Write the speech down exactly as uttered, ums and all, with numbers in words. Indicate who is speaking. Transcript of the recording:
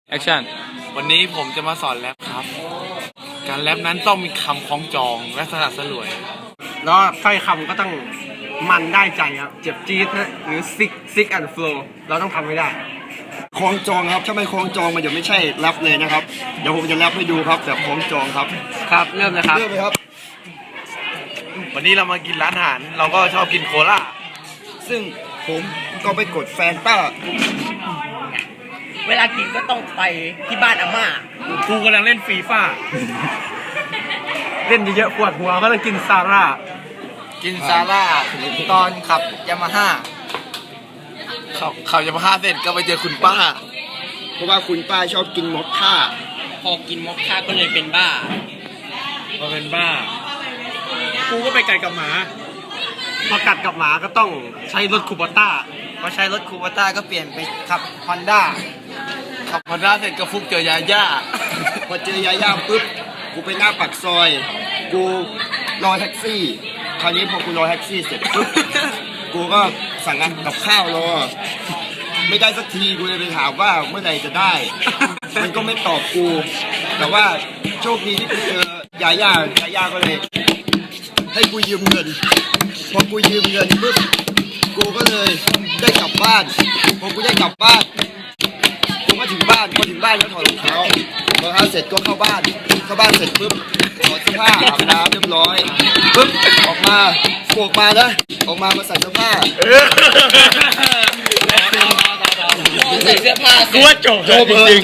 Speaker 1: แอคชั่น
Speaker 2: วันนี้ผมจะมาสอนแรปครับ การแรปนั้นต้องมีคำคล้องจองและสลัดสลวย
Speaker 3: แล้วสร้อยคำก็ต้องมันได้ใจครับเจ็บจี๊ดนะหรือซิกซิกแอนด์โฟล์เราต้องทำให้ได้
Speaker 4: คล้องจองครับถ้าไม่คล้องจองมันจะไม่ใช่แรปเลยนะครับเดี๋ยวผมจะแรปให้ดูครับแบบคล้องจองครับ
Speaker 3: ครับเริ่มเลยครับ
Speaker 4: เริ่มเลยครับ
Speaker 2: วันนี้เรามากินร้านอาหาร เราก็ชอบกินโคลา
Speaker 4: ซึ่งผมก็ไปกดแฟนต้า
Speaker 5: เวลากินก็ต้องไปที่บ้านอาม่า
Speaker 3: กูกำลังเล่นฟีฟ่าเล่นเยอะๆปวดหัวก็ต้องกินซาร่า
Speaker 2: กินซาร่าตอนขับยามาฮ่าขับขับยามาฮ่าเสร็จก็ไปเจอคุณป้า
Speaker 4: เพราะว่าคุณป้าชอบกินมอคค่า
Speaker 5: พอกินมอคค่าก็เลยเป็นบ้า
Speaker 3: มาเป็นบ้ากูก็ไปกัดกับหมาพอกัดกับหมาก็ต้องใช้รถคูปต้า
Speaker 2: พอใช้รถคูปต้าก็เปลี่ยนไปขับฮอนด้าขับฮอนด้าเสร็จก็ฟุกเจอยาย่า
Speaker 4: พอเจอยาย่าปุ๊บกูไปหน้าปากซอย กูรอแท็กซี่คราวนี้พอกูรอแท็กซี่เสร็จปุ๊บกูก็สั่งกับข้าวรอไม่ได้สักทีกูเลยไปถามว่าเมื่อไหร่จะได้ มันก็ไม่ตอบกู แต่ว่าโชคดีที่กูเจอยาย่ายาย่าก็เลยให้กูยืมเงิน พอกูยืมเงินปุ๊บกูก็เลยได้กลับบ้านพอกูได้กลับบ้านกูก็ถึงบ้านพอถึงบ้านก็ถอดรองเท้ารองเท้าเสร็จก็เข้าบ้านเข้าบ้านเสร็จปุ๊บถอดเสื้อผ้าอาบน้ำเรียบร้อยปุ๊บออกมาโกกมานะออกมามาใส่เสื้อผ้า
Speaker 5: ใส่เสื้อผ้า
Speaker 3: กูว่าจบ
Speaker 4: โจบจริง